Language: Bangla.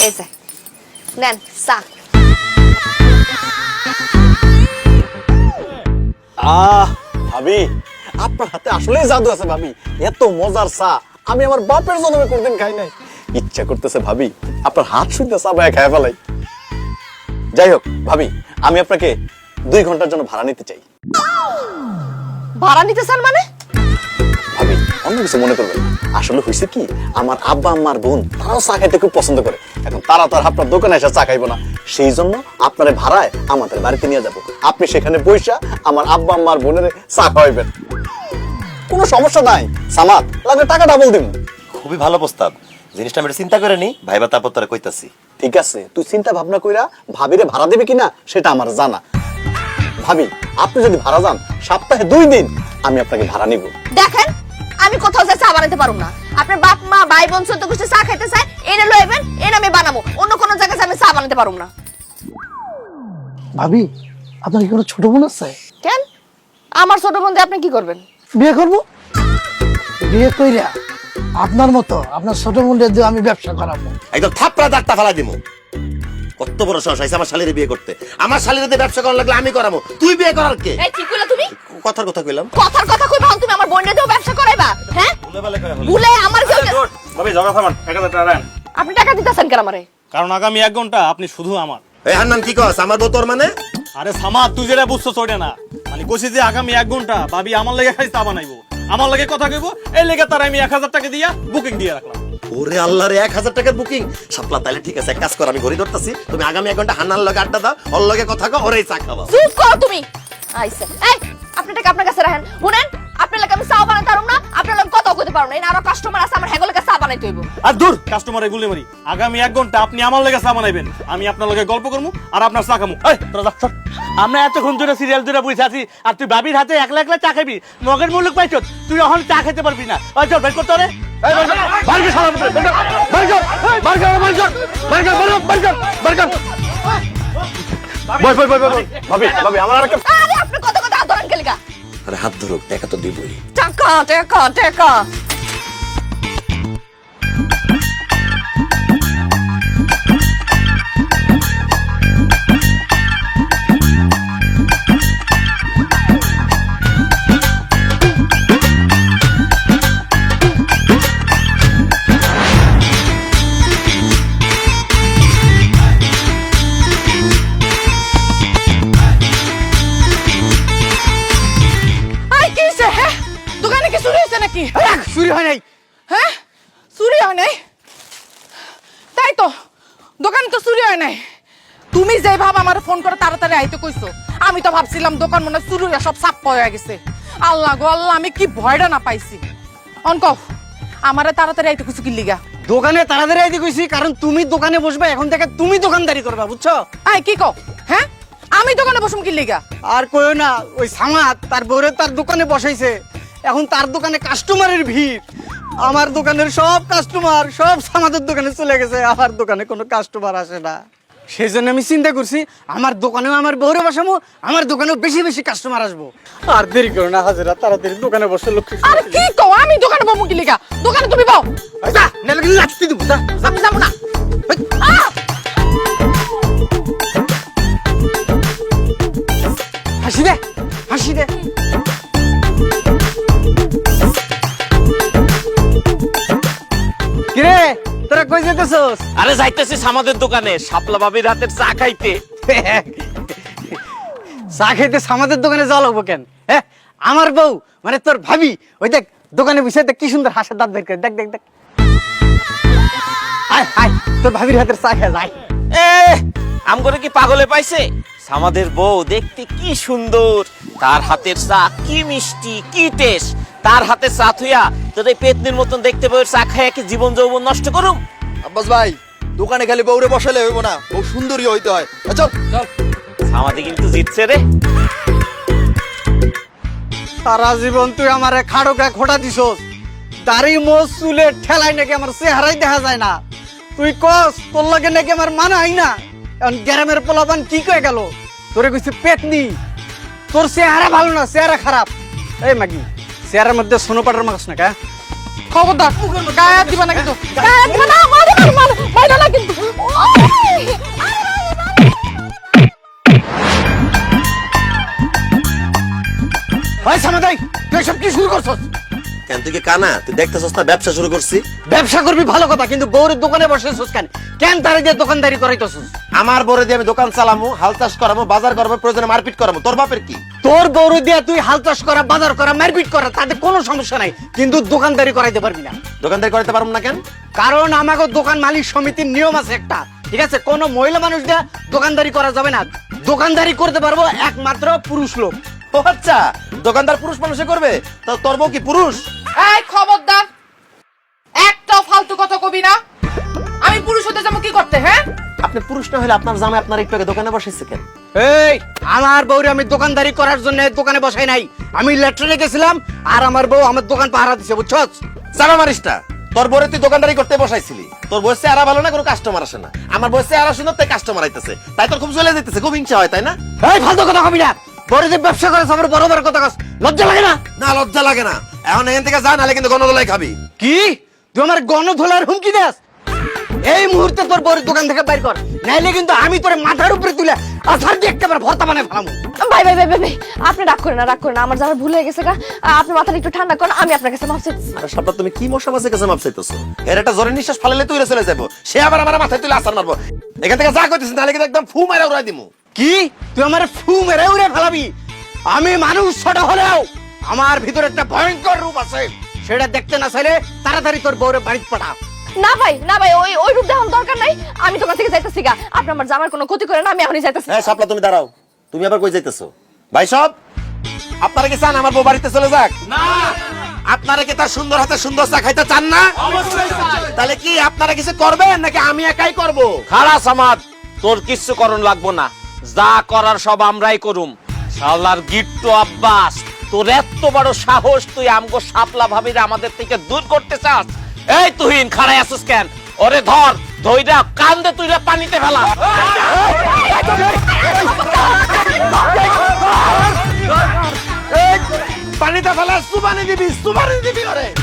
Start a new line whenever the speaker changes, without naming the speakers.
এই যে নেন চা।
ভাবি আপনার হাতে আসলেই জাদু আছে ভাবি। এত মজার চা আমি আমার বাপের জন্মে কোনদিন খাই নাই। ইচ্ছা করতেছে ভাবি আপনার হাত শুনতে চা বায়া খায় ফেলাই। যাই হোক ভাবি, আমি আপনাকে 2 ঘন্টার জন্য ভাড়া নিতে চাই।
ভাড়া নিতে চান মানে?
ভাবি অন্য কিছু মনে করবেন, আসলে হয়েছে কি, আমার আব্বা আম্মার বোন তারাও চা খাইতে খুব পছন্দ করে। এখন তারা তো আর আপনার দোকানে এসে চা খাইবো না, সেই জন্য আপনার ভাড়ায় আমাদের বাড়িতে নিয়ে যাব। আপনি সেখানে বইসা আমার আব্বা আম্মার বোনের চা খাওয়াইবেন, কোনো সমস্যা নাই। সামাদ লাগলে টাকা ডাবল দিব।
খুবই ভালো প্রস্তাব, জিনিসটা আমি চিন্তা করে নি ভাইবা, তারপর তোরা কইতাছি।
ঠিক আছে, তুই চিন্তা ভাবনা কইরা ভাবিরে ভাড়া দেবে কিনা সেটা আমার জানা। ভাবি আপনি যদি ভাড়া যান সপ্তাহে 2 দিন আমি আপনাকে ভাড়া নিব।
দেখেন আমি কোথাও যা চা বানাতে পারুম না। আপনার বাপ মা ভাই বোন ছোট কিছু চা খাইতে চায়, এনে লইবেন, এনে আমি বানাবো। অন্য কোনো জায়গায় আমি চা বানাতে পারুম না।
ভাবি আপনার কি কোনো ছোট বোন আছে?
কেন? আমার ছোট বোন দিয়ে আপনি কি করবেন?
বিয়ে করব। বিয়ে কইরা আপনার মতো আপনার ছোট বোনদের দিয়ে আমি ব্যবসা করাবো।
একদম থাপড়া দাঁতটা ফেলা দিমু। কত বড় সাহস হইছে আমার শালীর বিয়ে করতে। আমার শালীর দিয়ে ব্যবসা করার লাগলে আমি করাবো, তুই বিয়ে করার কে?
এই ঠিক কইলা তুমি?
কথার কথা কইলাম।
কথার কথা কইবা, তুমি আমার বোনের দিয়েও ব্যবসা করাইবা? হ্যাঁ ভুলে আমার কেউ
ভাবি ঝগড়া থামান, 1000 টাকা দেন।
আপনি টাকা দিতেছেন কেন আমারে?
কারণ আগামী 1 ঘন্টা আপনি শুধু আমার।
এই হান্নান কি কস, আমার বউ তোর মানে?
আরে সামাদ, তুই যেটা বুঝছো ওটা না। মানে কইছি যে আগামী 1 ঘন্টা ভাবি আমার লাগি খাই চা বানাইবো, আমার লাগি কথা কইবো, এই লাগি তার আমি 1000 টাকা দিয়া বুকিং দিয়ে রাখলাম।
ওরে আল্লাহ রে, 1000 টাকার বুকিং সাপলা। তাইলে ঠিক আছে, এক কাজ কর, আমি ঘড়ি ধরতাছি, তুমি আগামী 1 ঘন্টা হান্নার লগে আড্ডা দাও, ওর লগে কথা কও, ওরেই চা খাওয়া।
চুপ করো তুমি। আইছে এই আপনি টাকা আপনার কাছে রাখেন। শুনেন, আপনার লাগে আমি চা বানাতে পারুম না, আপনার লাগে কথা কইতে পারুম না। এই আরো কাস্টমার আছে, আমার হেগো লাগে চা বানাইতে হইব।
আর দূর কাস্টমারে গুলি মারি। আগামী 1 ঘন্টা আপনি আমার লাগি চা বানাইবেন, আমি আপনার লগে গল্প করমু আর আপনার চা খামু। এই তোরা যা, চল।
আমরা এতক্ষণ ধরে সিরিয়াল ধরে বসে আছি আর তুই ভাবির হাতে একলা একলা চা খাবি। মগের মুলুক পাইছ, তুই এখন চা খেতে পারবি না। ওই চল বের করতে রে।
ভাবি ভাবি আমার আর একটা
আরে আপনি কত কথা ধরেন কে লাগা?
আরে হাত ধরো, টাকা তো দিবই।
টাকা টাকা টাকা।
দোকানে কি চুরি হয়েছে নাকি?
চুরি হয় নাই।
হ্যাঁ চুরি হয় নাই? তাই তো, দোকানে তো চুরি হয় নাই। তুমি যে ভাব আমার ফোন করে তাড়াতাড়ি আইতে কইছো, আমি তো ভাবছিলাম দোকান মনে হয় চুরি সব সাপ হয়ে গেছে। আল্লাহ গো আল্লাহ, আমি কি ভয়টা না পাইছি। অনক আমারে তাড়াতাড়ি আইতে কইছো কি লিগা?
দোকানে তাড়াতাড়ি আইতে কইছি কারণ তুমি দোকানে বসবে, এখন থেকে তুমি দোকানদারি করবা, বুঝছো?
আই কি কও? হ্যাঁ আমি দোকানে বসুম কি লিগা?
আর কইও না, ওই সামাদ তার বউরে তার দোকানে বসাইছে, এখন তার দোকানে কাস্টমারের ভিড়। আমার দোকানের সব কাস্টমার সব সামাদের দোকানে চলে গেছে, আমার দোকানে কোনো কাস্টমার আসে না। সেই জন্য আমি চিন্তা করছি আমার দোকানেও আমার বউরে বসাবো, আমার দোকানেও বেশি বেশি কাস্টমার আসবো। আর দেরি করো না হাজিরা, তাড়াতাড়ি দোকানে বসে লক্ষ্মী।
আরে কি কও, আমি দোকানে বমু কি লিগা? দোকানে তুমি বও।
যা নালে কিন্তু লাঠি দিব, যা।
আমি যাবো না।
হাসি দে, হাসি দে। কিরে তোরা কই যেতেছস?
আরে যাইতেছি আমাদের দোকানে শাপলা ভাবির হাতের চা খাইতে।
চা খেতে সামাদের দোকানে যাওয়া লাগবো কেন? হ্যাঁ আমার বউ মানে তোর ভাবি, ওই দেখ দোকানে বসে দেখ কি সুন্দর হাসির দাঁত বের করে, দেখ দেখ দেখ। আয় আয় তোর ভাবির হাতের চা খেয়ে যায়।
এ আমগরে কি পাগলে পাইছে? আমাদের বউ দেখতে কি সুন্দর, তার হাতের চা কি মিষ্টি কি টেস্ট। তার হাতে চা থুইয়া তোর এই পেতনির মতন দেখতে বউয়ের চা খাইয়া কি জীবন যৌবন নষ্ট করুম?
আব্বাস ভাই, দোকানে খালি বউরে বসালে হইব না, বউ সুন্দরী হইতে হয়। চল চল।
আমাদের কিন্তু জিতছে রে।
সারা জীবন তুই আমার খাড়োকা খোটা দিছস, দাড়ি মোজ চুলে ঠেলাই নাকি আমার চেহারাই দেখা যায় না। তুই কস তোর লাগে নাকি আমার মানাই না। এখন গ্রামের পোলাপান কি কয়ে গেল, তোরে কইছে পেতনি, তোর চেহারা ভালো না, চেহারা খারাপ। এই মাগি চেহারার মধ্যে সোনো পাটার মাছ না কা?
খবরদার গায়ে দিবা না কিন্তু, গায়ে দিবা না, মারো না কিন্তু।
ভাই সামাদাই তুই সব কি শুরু করছস?
কেন তুই কি কানা? তুই দেখতেছস না ব্যবসা শুরু করছি?
ব্যবসা করবি ভালো কথা, কিন্তু বউরের দোকানে বসেছস কেন? কেন তারে দিয়ে দোকানদারি করাইতেছস?
আমার বরে দিয়ে আমি দোকান চালামু, হাল চাষ করামু, বাজার করবো, প্রয়োজনে মারপিট করামু। তোর বাপের কি?
তোর বউরে দিয়ে তুই হাল চাষ করা, বাজার করা, মারপিট করা, তাতে কোনো সমস্যা নাই, কিন্তু দোকানদারি করাইতে পারবি না।
দোকানদারি করতে পারবো না কেন?
কারণ আমাকে দোকান মালিক সমিতির নিয়ম আছে একটা, ঠিক আছে? কোনো মহিলা মানুষ দিয়ে দোকানদারি করা যাবে না। দোকানদারি করতে পারবো একমাত্র পুরুষ লোক।
ও আচ্ছা, দোকানদার পুরুষ মানুষে করবে? তো তোর বউ কি পুরুষ?
এই খবরদার, একটা ফালতু কথা কবি না। আমি পুরুষ হতে যাবো কি করতে? হ্যাঁ,
আপনি পুরুষ না হলে আপনার জামাই আপনার একটু আগে দোকানে বসেছে কেন?
এই আমার বউরে আমি দোকানদারি করার জন্য দোকানে বসাই নাই, আমি লেট্রিনে গেছিলাম আর আমার বউ আমার দোকান পাহারা দিছে, বুঝছস?
জামা মারিসটা, তোর বউরে তুই দোকানদারি করতে বসাইছিলি। তোর বয়সে আরা ভালো না, কোনো কাস্টমার আসে না। আমার বয়সে আরা সুন্দর, তাই কাস্টমার আইতেছে, তাই তোর খুব চলে যেতেছে, খুব হিংসা হয়, তাই না?
এই ফালতু কথা কবি না। বড় যে ব্যবসা করে আমার বড় বড় কথা কস, লজ্জা লাগে না?
না, লজ্জা লাগে না। এখন এখান থেকে যা, নাহলে কিন্তু গণদোলাই খাবি।
কি তুই আমার গণধোলার হুমকি দেস? এই মুহূর্তে তোর বউর দোকান থেকে বাইর কর, নাইলে কিন্তু আমি তোর মাথার উপরে তুলে আছাড় দিয়ে একেবারে ভর্তা বানায় ফেলামু।
ভাই ভাই ভাই ভাই ভাই, আপনি রাগ করেন না, রাগ করেন না, আমার জামাই ভুল হয়ে গেছে গা। আপনি মাথাটা একটু ঠান্ডা করেন, আমি আপনার কাছে মাফ চাইতেছি।
আরে সাপটা, তুমি কি মশা মাছের কাছে মাপ চাইতেছো? এর একটা জোরে নিঃশ্বাস ফালালে তুই চলে যাবো, সে আবার আমার মাথায় তুলে আছাড় মারবো। এখান থেকে যা করতেছিস, নাহলে কিন্তু একদম ফু মারা উড়াই দিমু।
কি তুই আমার ফু মেরে উড়ে ফেলাবি? আমি মানুষ ছোট হলেও আমার ভিতরে একটা ভয়ঙ্কর রূপ আছে, সেটা দেখতে না চাইলে তাড়াতাড়ি তোর বউরে বাড়িতে পাঠা।
না ভাই, না ভাই, ওই ওই রূপ দেখানোর দরকার নাই। আমি দোকান থেকে যাইতেছি গা। আপনি আমার জামার কোনো ক্ষতি করেন না, আমি এখনই যাইতেছি।
হ্যাঁ সাপলা, তুমি দাঁড়াও। তুমি আবার কই যাইতেছো? ভাই সব, আপনারা কি চান আমার বউ বাড়িতে চলে যাক? না। আপনারা কি তার সুন্দর হাতে সুন্দর চা খাইতে চান না? অবশ্যই চাই। তাহলে কি আপনারা কিছু করবেন নাকি আমি একাই করব?
খারাপ আমাদ, তোর কিচ্ছু করণ লাগবো না, যা করার সব আমরাই করুম। শালার গিট্টু আব্বাস, তোর এত বড় সাহস, তুই আমগো শাপলা ভাবিরে আমাদের থেকে দূর করতে চাস? এই তুহিন, খাড়াই আসিস কেন? ওরে ধর, ধইরা কান্দে তুইরা পানিতে ফেলা।
পানিতে ফেলা, সুবানি দিবি ওরে।